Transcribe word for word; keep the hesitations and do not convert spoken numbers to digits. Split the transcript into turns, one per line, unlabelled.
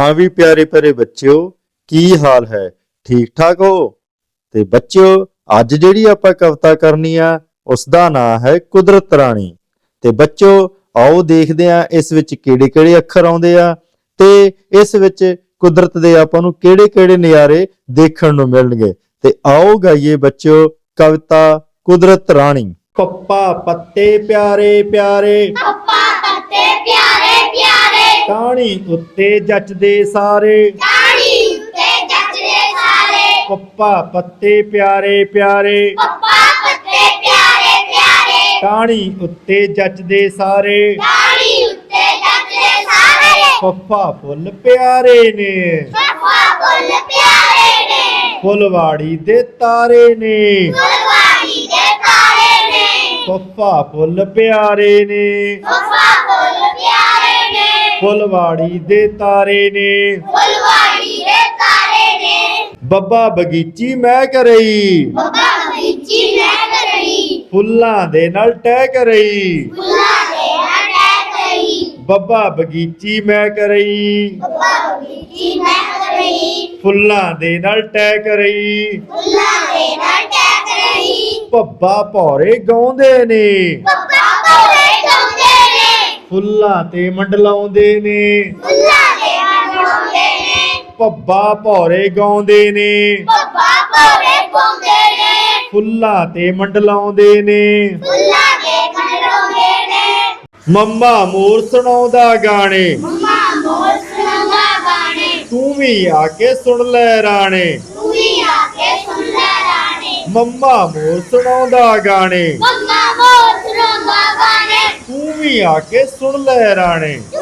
ਹਾਂ ਵੀ ਪਿਆਰੇ ਪਿਆਰੇ ਬੱਚਿਓ, ਕੀ ਹਾਲ ਹੈ? ਠੀਕ ਠਾਕ ਹੋ? ਤੇ ਬੱਚਿਓ, ਅੱਜ ਜਿਹੜੀ ਆਪਾਂ ਕਵਿਤਾ ਕਰਨੀ ਆ ਉਸ ਦਾ ਨਾਂ ਹੈ ਕੁਦਰਤ ਰਾਣੀ। ਤੇ ਬੱਚਿਓ, ਆਓ ਦੇਖਦੇ ਹਾਂ ਇਸ ਵਿੱਚ ਕਿਹੜੇ ਕਿਹੜੇ ਅੱਖਰ ਆਉਂਦੇ ਆ ਤੇ ਇਸ ਵਿੱਚ ਕੁਦਰਤ ਦੇ ਆਪਾਂ ਨੂੰ ਕਿਹੜੇ ਕਿਹੜੇ ਨਜ਼ਾਰੇ ਦੇਖਣ ਨੂੰ ਮਿਲਣਗੇ। ਤੇ ਆਓ ਗਾਈਏ ਬੱਚਿਓ ਕਵਿਤਾ ਕੁਦਰਤ ਰਾਣੀ। ਪੱਪਾ ਪੱਤੇ ਪਿਆਰੇ ਪਿਆਰੇ,
ਪੱਪਾ ਪੱਤੇ ਪਿਆਰੇ ਪਿਆਰੇ,
ਟਾਹਣੀ ਉੱਤੇ ਜੱਚਦੇ ਸਾਰੇ,
ਟਾਹਣੀ ਉੱਤੇ ਜੱਚਦੇ ਸਾਰੇ।
ਪੱਪਾ ਪੱਤੇ ਪਿਆਰੇ ਪਿਆਰੇ,
ਪੱਪਾ ਪੱਤੇ ਪਿਆਰੇ ਪਿਆਰੇ,
ਟਾਹਣੀ ਉੱਤੇ ਜੱਚਦੇ ਸਾਰੇ,
ਟਾਹਣੀ ਉੱਤੇ ਜੱਚਦੇ ਸਾਰੇ।
ਫੱਫਾ ਫੁੱਲ ਪਿਆਰੇ ਨੇ,
ਫੱਫਾ ਫੁੱਲ ਪਿਆਰੇ ਨੇ,
ਫੁੱਲਵਾੜੀ ਦੇ ਤਾਰੇ ਨੇ,
ਫੁੱਲਵਾੜੀ ਦੇ ਤਾਰੇ ਨੇ।
ਫੱਫਾ ਫੁੱਲ ਪਿਆਰੇ ਨੇ,
ਫੱਫਾ ਫੁੱਲ ਪਿਆਰੇ ਨੇ,
ਫੁੱਲਵਾੜੀ ਦੇ ਤਾਰੇ ਨੇ,
ਫੁੱਲਵਾੜੀ ਦੇ ਤਾਰੇ ਨੇ।
ਬੱਬਾ ਬਗੀਚੀ ਮੈਂ ਕਰਈ,
ਬੱਬਾ ਬਗੀਚੀ ਮੈਂ ਕਰਈ,
ਫੁੱਲਾਂ ਦੇ ਨਾਲ ਟਹਿ ਕਰਈ।
ਫੁੱਲਾਂ ਦੇ ਨਾਲ ਟਹਿ ਗਈ।
ਬੱਬਾ ਬਗੀਚੀ ਮੈਂ ਕਰਈ,
ਬੱਬਾ ਬਗੀਚੀ ਮੈਂ ਕਰਈ,
ਫੁੱਲਾਂ ਦੇ ਨਾਲ ਟਹਿ ਕਰਈ।
ਫੁੱਲਾਂ ਦੇ ਨਾਲ ਟਹਿ ਗਈ।
ਭੱਬਾ ਭੌਰੇ ਗਾਉਂਦੇ ਨੇ,
ਬੱਬਾ ਭੌਰੇ ਗਾਉਂਦੇ ਨੇ,
ਫੁੱਲਾਂ ਤੇ ਮੰਡਲਾਉਂਦੇ ਨੇ।
ਫੁੱਲਾਂ ਦੇ ਮੰਡਲਾਉਂਦੇ ਨੇ।
ਭੱਬਾ ਭੌਰੇ ਗਾਉਂਦੇ ਨੇ,
ਬੱਬਾ ਭੌਰੇ ਗਾਉਂਦੇ ਨੇ,
ਫੁੱਲਾਂ ਤੇ ਮੰਡਲਾਉਂਦੇ ਨੇ।
ਫੁੱਲਾਂ ਦੇ ਮੰਡਲਾਉਂਦੇ ਨੇ।
ਮੰਮਾ ਮੋਰ ਸੁਣਾਉਂਦਾ ਗਾਣੇ,
ਮੰਮਾ ਮੋਰ ਸੁਣਾਉਂਦਾ ਗਾਣੇ,
ਤੂੰ ਵੀ ਆ ਕੇ ਸੁਣ ਲੈ ਰਾਣੇ।
ਤੂੰ ਵੀ ਆ ਕੇ ਸੁਣ ਲੈ ਰਾਣੇ।
ਮੰਮਾ ਮੋਰ ਸੁਣਾਉਂਦਾ ਗਾਣੇ,
ਮੰਮਾ ਮੋਰ ਸੁਣਾਉਂਦਾ ਗਾਣੇ,
ਤੂੰ ਵੀ ਆ ਕੇ ਸੁਣ ਲੈ ਰਾਣੇ।